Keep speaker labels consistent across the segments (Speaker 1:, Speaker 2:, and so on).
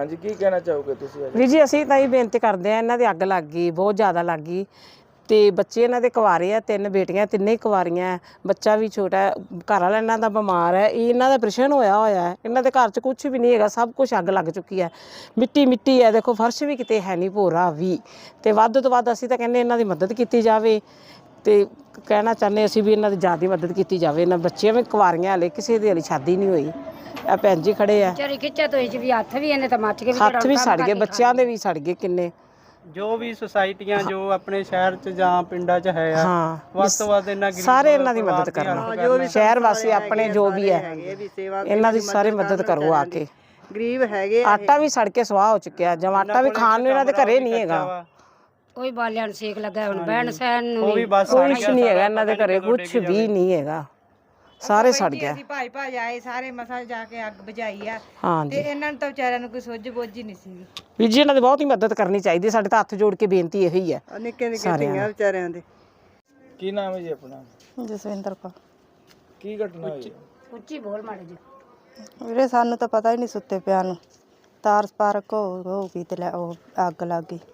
Speaker 1: ਹਾਂਜੀ, ਕੀ ਕਹਿਣਾ ਚਾਹੋਗੇ ਤੁਸੀਂ?
Speaker 2: ਵੀਰ ਜੀ ਅਸੀਂ ਤਾਂ ਇਹ ਬੇਨਤੀ ਕਰਦੇ ਆ, ਇਹਨਾਂ ਦੀ ਅੱਗ ਲੱਗ ਗਈ, ਬਹੁਤ ਜ਼ਿਆਦਾ ਲੱਗ ਗਈ ਤੇ ਬੱਚੇ ਇਹਨਾਂ ਦੇ ਕੁਆਰੇ ਆ, 3 ਬੇਟੀਆਂ, ਤਿੰਨੇ ਹੀ ਕੁਆਰੀਆਂ, ਬੱਚਾ ਵੀ ਛੋਟਾ, ਘਰ ਵਾਲਾ ਇਹਨਾਂ ਦਾ ਬਿਮਾਰ ਹੈ, ਇਹ ਇਹਨਾਂ ਦਾ ਆਪਰੇਸ਼ਨ ਹੋਇਆ ਹੈ, ਇਹਨਾਂ ਦੇ ਘਰ 'ਚ ਕੁਝ ਵੀ ਨਹੀਂ ਹੈਗਾ, ਸਭ ਕੁਝ ਅੱਗ ਲੱਗ ਚੁੱਕੀ ਹੈ, ਮਿੱਟੀ ਮਿੱਟੀ ਹੈ, ਦੇਖੋ ਫਰਸ਼ ਵੀ ਕਿਤੇ ਹੈ ਨਹੀਂ, ਭੋਰਾ ਵੀ। ਤੇ ਵੱਧ ਤੋਂ ਵੱਧ ਅਸੀਂ ਤਾਂ ਕਹਿੰਦੇ ਇਹਨਾਂ ਦੀ ਮਦਦ ਕੀਤੀ ਜਾਵੇ ਤੇ ਕਹਿਣਾ ਚਾਹੁੰਦੇ ਅਸੀਂ ਵੀ ਇਹਨਾਂ ਦੀ ਜ਼ਿਆਦਾ ਮਦਦ ਕੀਤੀ ਜਾਵੇ। ਇਹਨਾਂ ਬੱਚੀਆਂ ਵੀ ਕੁਆਰੀਆਂ, ਹਾਲੇ ਕਿਸੇ ਦੀ ਹਾਲੇ ਸ਼ਾਦੀ ਨਹੀਂ ਹੋਈ। ਆ ਭੈਣ ਜੀ ਖੜੇ ਆ,
Speaker 3: ਖਿੱਚਿਆ ਤੋਂ ਵੀ ਹੱਥ ਵੀ ਇਹਨੇ ਤਾਂ ਮੱਚ ਗਏ,
Speaker 2: ਹੱਥ ਵੀ ਸੜ ਗਏ, ਬੱਚਿਆਂ ਦੇ ਵੀ ਸੜ ਗਏ ਕਿੰਨੇ।
Speaker 4: ਜੋ ਵੀ ਸੁਸਾਇਟੀਆਂ ਜੋ ਆਪਣੇ ਸ਼ਹਿਰ 'ਚ ਜਾਂ ਪਿੰਡਾਂ 'ਚ ਹੈ ਆ,
Speaker 2: ਹਾਂ,
Speaker 4: ਵੱਧ ਤੋਂ ਵੱਧ ਇਹਨਾਂ
Speaker 2: ਸਾਰੇ ਇਹਨਾਂ ਦੀ ਮਦਦ ਕਰਨਾ, ਸ਼ਹਿਰ ਵਾਸੀ ਆਪਣੇ ਜੋ ਵੀ ਹੈ ਇਹਨਾਂ ਦੀ ਸਾਰੇ ਮਦਦ ਕਰੋ ਆ ਕੇ।
Speaker 5: ਗਰੀਬ ਹੈਗੇ,
Speaker 2: ਆਟਾ ਵੀ ਸੜ ਕੇ ਸਵਾਹ ਹੋ ਚੁੱਕਿਆ, ਜਦ ਆਟਾ ਵੀ ਖਾਣ ਨੂੰ ਇਹਨਾਂ ਦੇ ਘਰੇ ਨਹੀਂ ਹੈਗਾ,
Speaker 3: ਕੋਈ ਬਾਲਿਆਂ ਨੂੰ ਸੇਕ ਲੱਗਾ, ਹੁਣ ਬਹਿਣ ਸਹਿਣ ਨੂੰ
Speaker 4: ਉਹ ਵੀ ਬਸ
Speaker 2: ਕੁਛ ਨਹੀਂ ਹੈਗਾ ਇਹਨਾਂ ਦੇ ਘਰੇ, ਕੁਛ ਵੀ ਨਹੀਂ ਹੈਗਾ, ਸਾਰੇ ਸੜ ਗਿਆ।
Speaker 5: ਅਸੀਂ ਭਾਈ ਆਏ ਸਾਰੇ ਮਸਾ ਜਾ ਕੇ ਅੱਗ ਬੁਝਾਈ ਆ
Speaker 2: ਹਾਂ
Speaker 5: ਤੇ ਇਹਨਾਂ ਨੂੰ ਤਾਂ ਵਿਚਾਰਿਆਂ ਨੂੰ ਕੋਈ ਸੁੱਝ ਬੁੱਝ ਹੀ ਨਹੀਂ ਸੀ।
Speaker 2: ਵੀਰ ਜੀ ਇਹਨਾਂ ਦੀ ਬਹੁਤ ਹੀ ਮਦਦ ਕਰਨੀ ਚਾਹੀਦੀ, ਸਾਡੇ ਤਾਂ ਹੱਥ ਜੋੜ ਕੇ ਬੇਨਤੀ ਇਹੀ ਹੈ
Speaker 5: ਨਿੱਕੇ ਨਿੱਕੇ ਧੀਆਂ ਵਿਚਾਰਿਆਂ ਦੇ।
Speaker 1: ਕੀ ਨਾਮ ਹੈ ਜੀ ਆਪਣਾ?
Speaker 6: ਜਸਵਿੰਦਰ ਕੌਰ।
Speaker 1: ਕੀ ਘਟਨਾ ਹੋਈ?
Speaker 3: ਉੱਚੀ ਬੋਲ ਮਾੜੇ ਜੀ।
Speaker 6: ਵੀਰੇ ਸਾਨੂੰ ਤਾਂ ਪਤਾ ਹੀ ਨਹੀਂ ਸੁੱਤੇ ਪਿਆ ਨੂੰ, ਤਾਰ ਸਪਾਰਕ ਹੋ ਗਈ ਤੇ ਉਹ ਅੱਗ ਲੱਗ ਗਈ।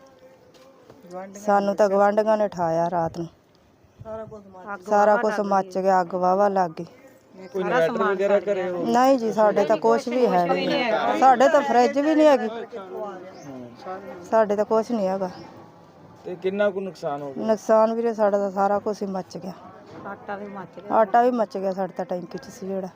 Speaker 6: ਸਾਨੂੰ ਤਾਂ ਗਵਾਂਢੀਆਂ ਨੇ ਉਠਾਇਆ ਰਾਤ ਨੂੰ, ਸਾਰਾ ਕੁਝ ਮੱਚ ਗਿਆ, ਅੱਗ ਵਾਵਾ ਲੱਗ ਗਈ।
Speaker 1: ਕੋਈ ਇਨਵਰਟਰ ਵਗੈਰਾ ਘਰੇ ਹੋ?
Speaker 6: ਨਹੀਂ ਜੀ, ਸਾਡੇ ਤਾਂ ਕੁਝ ਵੀ ਹੈ ਨਹੀਂ, ਸਾਡੇ ਤਾਂ ਫਰਿੱਜ ਵੀ ਨਹੀਂ ਹੈਗੀ, ਸਾਡੇ ਤਾਂ ਕੁਝ ਨਹੀਂ ਹੈਗਾ।
Speaker 1: ਤੇ ਕਿੰਨਾ ਕੁ ਨੁਕਸਾਨ ਹੋ ਗਿਆ?
Speaker 6: ਨੁਕਸਾਨ ਵੀਰੇ ਸਾਡਾ ਤਾਂ ਸਾਰਾ ਕੁਝ ਹੀ ਮੱਚ ਗਿਆ, ਆਟਾ ਵੀ ਮੱਚ ਗਿਆ ਸਾਡੇ ਤਾਂ ਟੈਂਕੀ 'ਚ ਸੀ ਜਿਹੜਾ।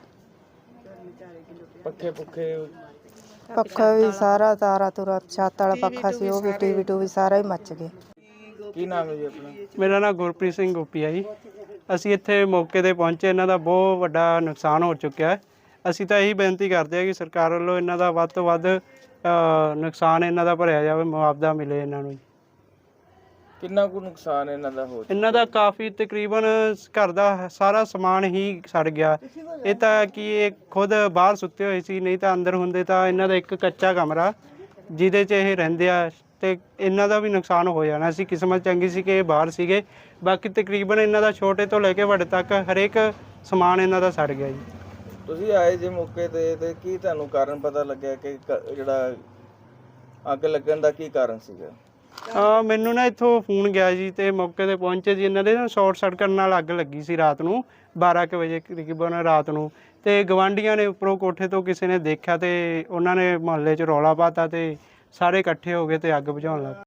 Speaker 1: ਪੱਖੇ
Speaker 6: ਪੱਖਾ ਵੀ ਸਾਰਾ, ਤਾਰਾ ਤੁਰਾ ਛੱਤ ਵਾਲਾ ਪੱਖਾ ਸੀ ਉਹ ਵੀ, ਟੀਵੀ ਟੂਵੀ ਸਾਰਾ ਹੀ ਮੱਚ ਗਿਆ।
Speaker 1: ਕੀ ਨਾਮ ਹੈ ਜੀ ਆਪਣਾ?
Speaker 4: ਮੇਰਾ ਨਾਮ ਗੁਰਪ੍ਰੀਤ ਸਿੰਘ ਗੋਪੀ ਆ ਜੀ। ਅਸੀਂ ਇੱਥੇ ਮੌਕੇ ਤੇ ਪਹੁੰਚੇ, ਇਹਨਾਂ ਦਾ ਬਹੁਤ ਵੱਡਾ ਨੁਕਸਾਨ ਹੋ ਚੁੱਕਿਆ ਹੈ। ਅਸੀਂ ਤਾਂ ਇਹੀ ਬੇਨਤੀ ਕਰਦੇ ਹਾਂ ਕਿ ਸਰਕਾਰ ਵੱਲੋਂ ਇਹਨਾਂ ਦਾ ਵੱਧ ਤੋਂ ਵੱਧ ਨੁਕਸਾਨ ਇਹਨਾਂ ਦਾ ਭਰਿਆ ਜਾਵੇ, ਮੁਆਵਜ਼ਾ ਮਿਲੇ ਇਹਨਾਂ ਨੂੰ।
Speaker 1: ਕਿੰਨਾ ਕੁ ਨੁਕਸਾਨ ਇਹਨਾਂ ਦਾ ਹੋ?
Speaker 4: ਇਹਨਾਂ ਦਾ ਕਾਫੀ, ਤਕਰੀਬਨ ਘਰ ਦਾ ਸਾਰਾ ਸਮਾਨ ਹੀ ਸੜ ਗਿਆ। ਇਹ ਤਾਂ ਕਿ ਇਹ ਖੁਦ ਬਾਹਰ ਸੁੱਤੇ ਹੋਏ ਸੀ, ਨਹੀਂ ਤਾਂ ਅੰਦਰ ਹੁੰਦੇ ਤਾਂ ਇਹਨਾਂ ਦਾ ਇੱਕ ਕੱਚਾ ਕਮਰਾ ਜਿਹਦੇ 'ਚ ਇਹ ਰਹਿੰਦੇ ਆ, ਤੇ ਇਹਨਾਂ ਦਾ ਵੀ ਨੁਕਸਾਨ ਹੋ ਜਾਣਾ ਸੀ। ਕਿਸਮਤ ਚੰਗੀ ਸੀ ਕਿ ਇਹ ਬਾਹਰ ਸੀਗੇ, ਬਾਕੀ ਤਕਰੀਬਨ ਇਹਨਾਂ ਦਾ ਛੋਟੇ ਤੋਂ ਲੈ ਕੇ ਵੱਡੇ ਤੱਕ ਹਰੇਕ ਸਮਾਨ ਇਹਨਾਂ ਦਾ ਸੜ ਗਿਆ ਜੀ।
Speaker 1: ਤੁਸੀਂ ਆਏ ਜੇ ਮੌਕੇ ਤੇ ਕੀ ਤੁਹਾਨੂੰ ਕਾਰਨ ਪਤਾ ਲੱਗਿਆ ਕਿ ਜਿਹੜਾ ਅੱਗ ਲੱਗਣ ਦਾ ਕੀ ਕਾਰਨ ਸੀਗਾ?
Speaker 4: ਮੈਨੂੰ ਨਾ ਇੱਥੋਂ ਫੋਨ ਗਿਆ ਜੀ, ਤੇ ਮੌਕੇ ਤੇ ਪਹੁੰਚੇ ਜੀ। ਇਹਨਾਂ ਦੇ ਨਾ ਸ਼ਾਰਟ ਸਰਕਟ ਨਾਲ ਅੱਗ ਲੱਗੀ ਸੀ ਰਾਤ ਨੂੰ 12 ਕੁ ਵਜੇ ਤਕਰੀਬਨ ਰਾਤ ਨੂੰ, ਤੇ ਗਵਾਂਢੀਆਂ ਨੇ ਉੱਪਰੋਂ ਕੋਠੇ ਤੋਂ ਕਿਸੇ ਨੇ ਦੇਖਿਆ ਤੇ ਉਹਨਾਂ ਨੇ ਮੁਹੱਲੇ 'ਚ ਰੌਲਾ ਪਾਤਾ ਤੇ ਸਾਰੇ ਇਕੱਠੇ ਹੋ ਗਏ ਤੇ ਅੱਗ ਬੁਝਾਉਣ ਲੱਗ ਪਏ।